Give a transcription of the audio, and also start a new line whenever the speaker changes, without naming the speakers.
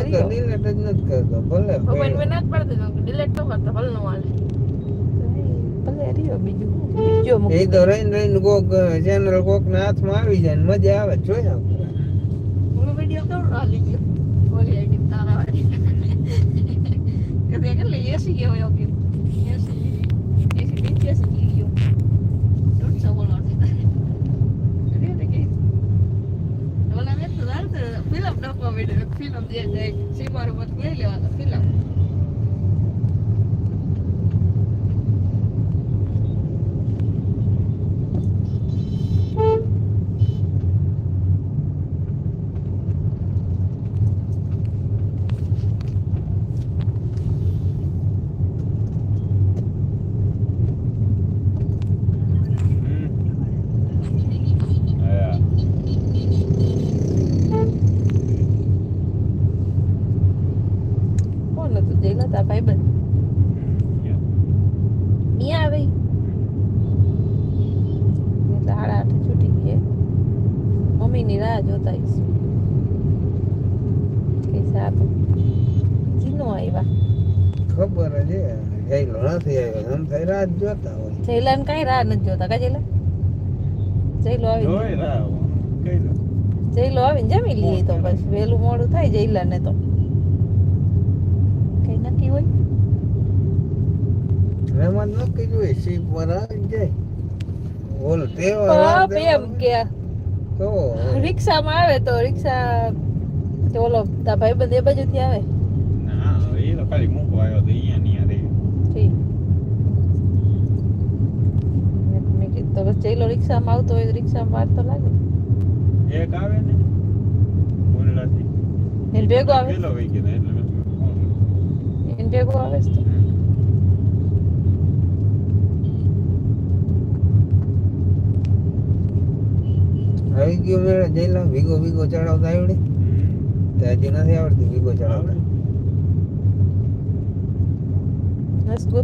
તો ડિલીટ જ નથી કરતો ભલે
મોબાઈલ મેં ના જ પાડી દીધો ડિલીટ ન કરતો ભલે નો હાલે ભલે રહ્યો બીજું બીજો
એ તો રહીને કોક ચેનલ કોક ના હાથમાં આવી જાય ને મજા આવે જોયા
હું વિડિયો કેવો હાલી ગયો ઓલી આઈડી તારા વાળી કે કેટલી એસી ગયો યો કે એસી નીચે સી ગયો ડોન્ટ સો બોલો ઓલા મેં તો ફિલ્મ નાખવા માંડ્યો ફિલ્મ જે સીમારું મત લઈ લેવાનો ફિલ્મ ભાઈબંધ અહીંયા આવે એટલે 8:30 છૂટી ગઈ મમ્મીની રાહ જોતા કઈ સાતું જીનો આવ્યા
ખબર જ જઈલો નથી આવ્યો એમ થઈ રાત જોતા હોય
જઈલા ને કઈ રાહ નથી જોતા કા જઈલા જઈલો આવી જઈલો આવીને જમી લઈએ તો બસ વહેલું મોડું થાય જઈલા ને તો નક્કી હોય
એમાં નક્કી જોઈએ સીપ પર આવી જાય ઓલ
બાપ એમ કે
તો
રિક્ષામાં આવે તો રિક્ષા તો ઓલો તા ભાઈબંધ એ બાજુથી આવે
ના એ તો ખાલી મૂકવા આવ્યો તો અહીંયા રે
ઠીક મેં કીધું તો બસ ચેલો રિક્ષામાં આવતો હોય તો રિક્ષામાં વાર તો લાગે
એક આવે ને બોલડાથી
એને ભેગો આવે
પેલો વઈ ગયો એટલે
એને ભેગો આવે છે
આવી ગયો મેળે જઈલા ભીગો ચડાવતા આવડે તો હજી નથી આવડતી ભીગો ચડાવતા